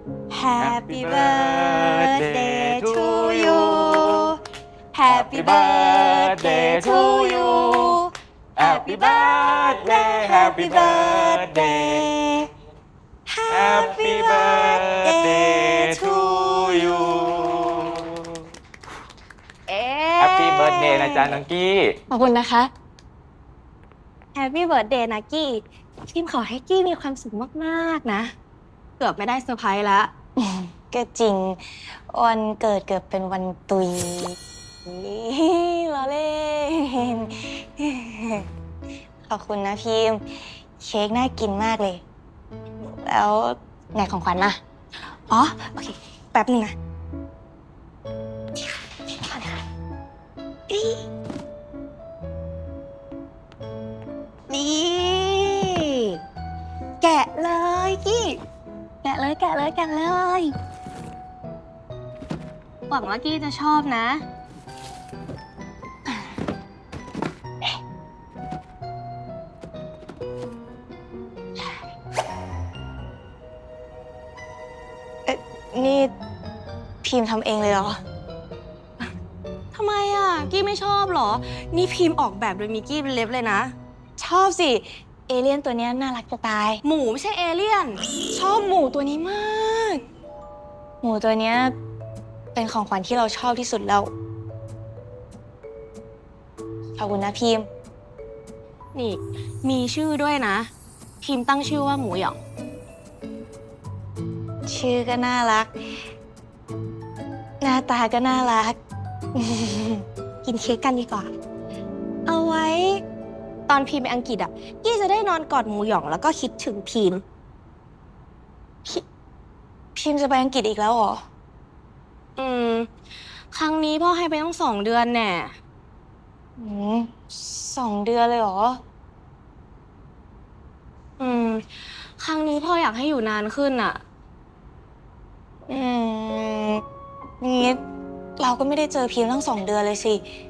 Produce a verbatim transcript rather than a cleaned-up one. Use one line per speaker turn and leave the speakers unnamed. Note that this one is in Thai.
Happy birthday to you Happy birthday to you Happy birthday Happy birthday Happy birthday to you
เอ๊ะ
Happy birthday นะจ๊ะน้องกี้
ขอบคุณนะคะ
Happy birthday นะกี้พิมขอให้กี้มีความสุขมากๆนะ เกือบไม่ได้เซอร์ไพรส์ละ
ก็จริง วันเกิดเกือบเป็นวันตุยล้อเล่น ขอบคุณนะพิมพ์เค้กน่ากินมากเลย แล้วไหนของขวัญมา
อ๋อ โอเค แป๊บหนึงนะนี่ แกะเลยกี้ แกะเลยแกะเลยแกะเลย หวังว่ากี้จะชอบนะ
นี่พิมพ์ทำเองเลยเหรอ
ทำไมอ่ะ กี้ไม่ชอบเหรอ นี่พิมพ์ออกแบบโดยมีกี้เป็นเล็บเลยนะ
ชอบสิ เอเลี่ยนตัวเนี้ยน่ารักจะตาย
หมูไม่ใช่เอเลี่ยน ชอบหมูตัวนี้มาก
หมูตัวเนี้ยเป็นของขวัญที่เราชอบที่สุดแล้ว ขอบคุณนะพิมพ์
นี่ มีชื่อด้วยนะ พิมพ์ตั้งชื่อว่าหมูหยอง
ชื่อก็น่ารัก หน้าตาก็น่ารัก
กินเค้กกันดีกว่า เอาไว้ ตอนพิมพ์ไปอังกฤษอ่ะ กี้จะได้นอนกอดหมูหยองแล้วก็คิดถึงพิมพ์
พิมพ์จะไปอังกฤษอีกแล้วเหรอ
อืม ครั้งนี้พ่อให้ไปตั้งสองเดือนแน่
อืมสองเดือนเลยเหรอ
อืม ครั้งนี้พ่ออยากให้อยู่นานขึ้นอ่ะ
อืมงี้เราก็ไม่ได้เจอพิมพ์ตั้งสองเดือนเลยสิ